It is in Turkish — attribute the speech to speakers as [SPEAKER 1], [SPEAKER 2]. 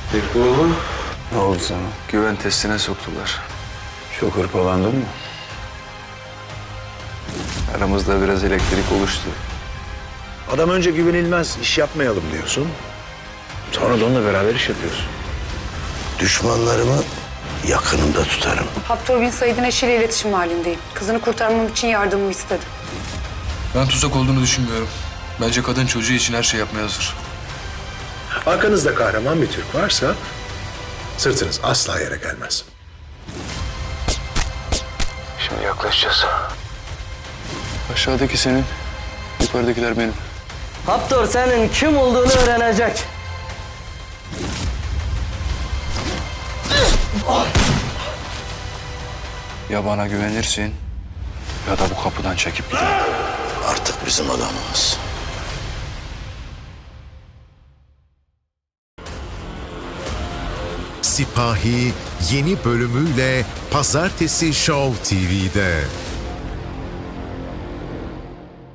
[SPEAKER 1] Peki oğlum.
[SPEAKER 2] Ne oldu sana?
[SPEAKER 1] Güven testine soktular.
[SPEAKER 2] Çok hırpalandın mı?
[SPEAKER 1] Aramızda biraz elektrik oluştu.
[SPEAKER 3] Adam önce güvenilmez, iş yapmayalım diyorsun. Sonra da onunla beraber iş yapıyorsun.
[SPEAKER 4] Düşmanlarımı yakınımda tutarım.
[SPEAKER 5] Haftor bin Said'in eşiyle iletişim halindeyim. Kızını kurtarmam için yardımımı istedi.
[SPEAKER 6] Ben tuzak olduğunu düşünmüyorum. Bence kadın çocuğu için her şey yapmaya hazır.
[SPEAKER 3] Arkanızda kahraman bir Türk varsa sırtınız asla yere gelmez.
[SPEAKER 1] Şimdi yaklaşacağız.
[SPEAKER 6] Aşağıdaki senin, yukarıdakiler benim.
[SPEAKER 7] Haptor senin kim olduğunu öğrenecek.
[SPEAKER 6] Ya bana güvenirsin ya da bu kapıdan çekip gidelim.
[SPEAKER 4] Artık bizim adamımız.
[SPEAKER 8] Sipahi yeni bölümüyle Pazartesi Show TV'de.